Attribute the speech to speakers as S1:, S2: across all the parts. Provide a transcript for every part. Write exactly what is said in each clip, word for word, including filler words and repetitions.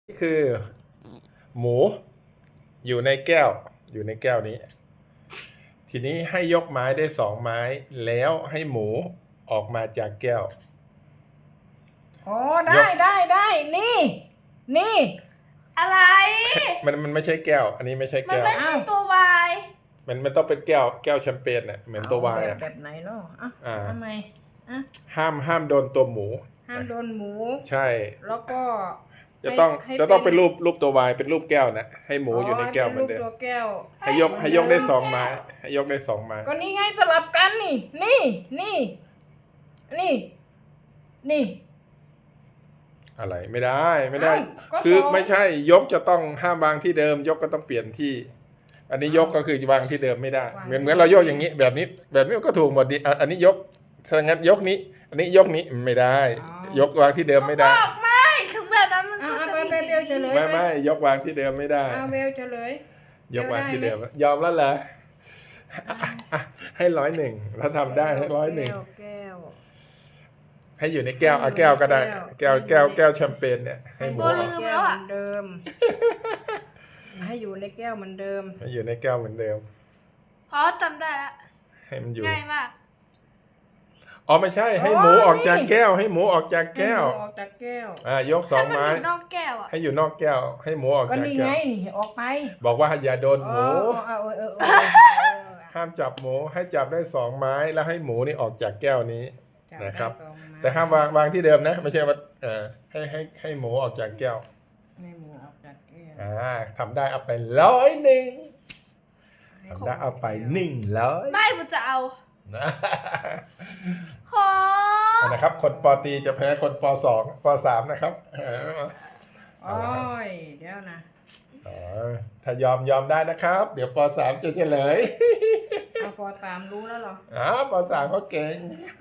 S1: นี่คือ หมูอยู่ในแก้วอยู่ในแก้วนี้ ทีนี้ให้ยกไม้ได้สองไม้ แล้วให้หมูออกมาจากแก้ว
S2: อ๋อได้ได้ได้นี่ นี่
S3: อะไร
S1: มันมันไม่ใช่แก้ว อันนี้ไม่ใช่
S3: มัน
S1: แก้ว
S3: ไม่ใช่ตัววาย
S1: มันมันต้องเป็นแก้วแก้วแชมเปญน่ะเหมือนตัววาย
S2: แบ
S1: อ่ะ
S2: บแบบไหนเนาะอ่ะ
S1: อ่า
S2: ทำไมอ่ะ
S1: ห้ามห้ามโดนตัวหมู
S2: ห้ามโดนหมู
S1: ใช่
S2: แล้วก็
S1: จะต้อง
S2: ให้
S1: จะต้อง
S2: เป็
S1: เป็น นรูปรูปตัววายเป็นรูปแก้วนะให้หมูอยู่ในแก้วเหมือนเดิ
S2: ป็
S1: ม
S2: รูปตัวแก้ว
S1: ให้ยกให้ยกได้สองไม้ให้ยกได้สองไม้
S2: ก็นี่ไงสลับกันนี่ นี่นี่นี่นี่
S1: อะไรไม่ได้ไม่ได้
S2: อ้าวก็
S1: คือ
S2: สอง
S1: ไม่ใช่ยกจะต้องห้ามวางที่เดิม ยกก็ต้องเปลี่ยนที่ อันนี้ยกก็คือวางที่เดิมไม่ได้ เหมือนเหมือนเรายกอย่างนี้ แบบนี้ แบบนี้ก็ถูกหมดดิอ่ะอันนี้ยกถ้างั้นยกนี้ อันนี้ยกนี้ไม่ได้ ยกวางที่เดิมไม่ได้
S3: บอกไม่ถึงแบบนั้นมัน
S2: อ่ะ
S3: ก็
S2: อ่ะ
S3: จะ
S2: ไป
S3: มี
S2: ไปเบลเฉลย
S1: ไม่
S2: ไป
S1: ไม่ยกวางที่เดิมไม่ได้
S2: เอาเบลเฉลย
S1: ยกวางที่เดิม ยอมแล้วเหรออ่ะอ่ะให้ร้อยหนึ่งถ้าทำได้ให้ร้อยหนึ่ง
S2: แก้วแก้ว
S1: ให้อยู่ในแก้วเอาแก้วก็ได้ แก้วแก้วแก้วแชมเปญเนี่ยให้หมู
S2: ให้
S1: อ
S2: อ
S1: อก
S2: ยู่ในแก้วเหมือนเดิม ให้อยู่ในแก้วเหมือนเดิม
S1: ให้อยู่ในแก้วเหมือนเดิม
S3: เพราะจำได้ละ
S1: ให้มันอยู่
S3: ง่ายมาก
S1: อ๋อไม่ใช่ ให้หมูออกจากแก้ว ให้หมูออกจากแก้ว
S2: ให้หมูออกจากแก้ว
S1: อ่ายกสองไม้
S3: ให้นอยู่นอกแก้วอ่ะ
S1: ให้อยู่นอกแก้ว ให้หมูออก
S2: ก็
S1: จาก
S2: นี่
S1: แก้
S2: ไง
S1: ว
S2: นี่ออกไป
S1: บอกว่าอย่าโดนห
S2: เอ
S1: มู
S2: อเออเออเออเออ
S1: ห้ามจับหมู ให้จับได้สองไม้แล้วให้หมูนี่ออกจากแก้วนี้ นะครับ แต่ห้ามวางวางที่เดิมนะ ไม่ใช่ว่าเออให้ให้ให้หมูออกจากแก้ว
S2: ให้หมูออกจากแก้ว
S1: อ่าทำได้เอาไปร้อยหนึ่งทำได้เอาไปหนึ่งร้อย
S3: ไม่ผมจะเอา
S1: นะ
S3: ขอ
S1: นะครับ คนปอตรีจะแพ้คนปสองปสามนะครับเออ
S2: โอ้ยเดี๋ยวนะ
S1: อ๋อถ้ายอมยอมได้นะครับ เดี๋ยวปสามจะเฉลย
S2: เอาพอตามรู้แล้วเหรอ
S1: อ๋อปสามเขาเก่ง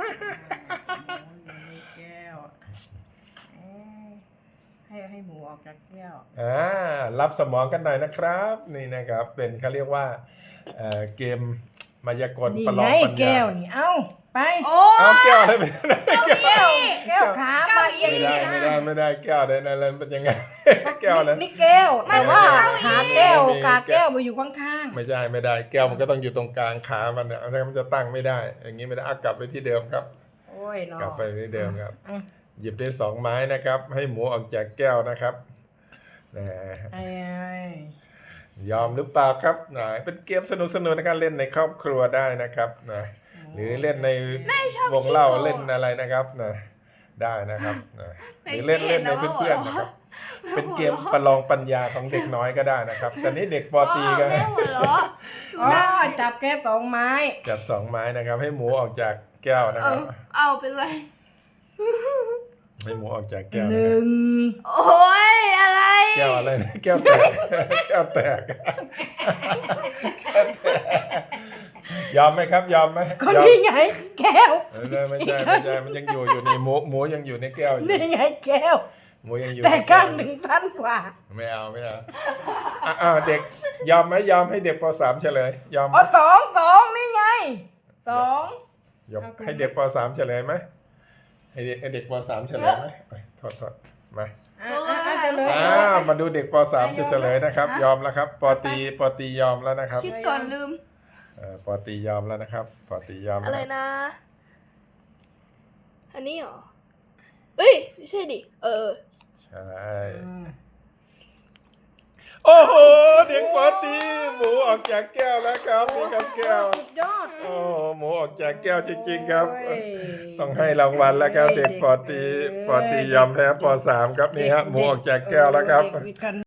S2: ในแก้วเอ้ยให้ให้หมูออกจากแก้ว
S1: อ่ารับสมองกันหน่อยนะครับ นี่นะครับ เป็นเขาเรียกว่าเอ่อเกมมายากล
S2: นี่
S1: ประล
S2: ไง
S1: องปัญ
S2: แก้
S1: ญาว
S2: นี่เอ้าไป
S3: โอ้
S1: เอาแก้วอะไรไป
S2: แก้วแก้วขามาเอง
S1: ไม่ได้ไม่ได้ไม่ได้แก้วได้นั่นเป็นยังไง แก้วเลย
S2: นี่แก้วแต่ว่า
S1: ไม่
S2: ขา
S1: ไม่
S2: แก้ว
S1: ไม่
S2: ขาแก้วมาอยู่ข้าง
S1: ไม่ใช่ไม่ได้แก้วมันก็ต้องอยู่ตรงกลางขามันเนี่ยถ้ามันจะตั้งไม่ได้ อย่างนี้ไม่ได้อ่ะกลับไปที่เดิมครับ
S2: ๆโอ้ยเนาะ
S1: กลับไปที่เดิมครับ
S2: อ่ะ
S1: หยิบได้สองไม้นะครับ ให้หมูออกจากแก้วนะครับนะ
S2: ไอ้ไอ้
S1: ยอมหรือเปล่าครับนะเป็นเกมสนุกสนุกในการเล่นในครอบครัวได้นะครับนะหรือเล่นในวงเล่าเล่นอะไรนะครับนะได้นะครับนะหรือเล่นเล่นในเพื่อนๆนะครับ เป็นเกมประลองปัญญาของเด็กน้อยก็ได้นะครับแต่นี้เด็กปอตรีก็
S3: แม่หัวเราะ
S2: อ๋อจับแค่สองไม้
S1: จับสองไม้นะครับ ให้หมูออกจากแก้วนะค
S3: เอา
S1: รับ
S3: เอาไปเลย
S1: ให้หมูออกจากแก้ว
S2: ห
S1: นะค
S2: นึ่
S1: รับ
S2: ง
S3: โอ้ยอะไร
S1: แก้วอะไรนะแก้วแตก แก้วแตกแก้วแตกยอมไหมครับ ยอมไหม
S2: ก็
S1: ยอม
S2: นี่ไง แก้ว
S1: เออไม่ใช่ไม่ใช่มันยังอยู่อยู่ในหมูหมูยังอยู่ในแก้วอยู่
S2: นี่ไงแก้ว
S1: หมูยังอยู่
S2: แต่
S1: ในแก้
S2: ข้าว งหนึ่งสั้นกว่า
S1: ไม่เอาไม่เอาอ่ะอ้าวเด็กยอมไหมยอมให้เด็กปสามเฉลย ยอมไหม
S2: อ๋อสองสองนี่ไงสอง
S1: ยอมให้เด็กปสามเฉลยไหมให้เด็กให้เด็กปสามเฉลยไหมเอ้ยโทษโทษมา
S2: อ่ะอ่ะอ่ะจะเลย
S1: อ้าวมาดูเด็กปสามจะเฉลยนะครับ ยอมแล้วครับปอตรีปอตรียอมแล้วนะครับ
S3: คิดก่อนลืม
S1: เอ่อปอตรียอมแล้วนะครับปอตรียอม
S3: อะ
S1: แล้ว
S3: ไร
S1: ครับ
S3: นะ อันนี้เหรอ เอ้ย ไม่ใช่ดิ เออ
S1: ใช่โอ้โหเด็กปอตรีหมูออกจากแก้วแล้วครับนี่ครับแก้ว
S2: สุดยอด
S1: โอ้โหหมูออกจากแก้วจริงๆครับ
S2: โอ้ย
S1: ต้องให้รางวัลแล้วครับ เด็กปอตรีปอตรียอมแพ้ปสามครับนี่ฮะหมูออกจากแก้วแล้วครับ
S2: เด็กวิทย์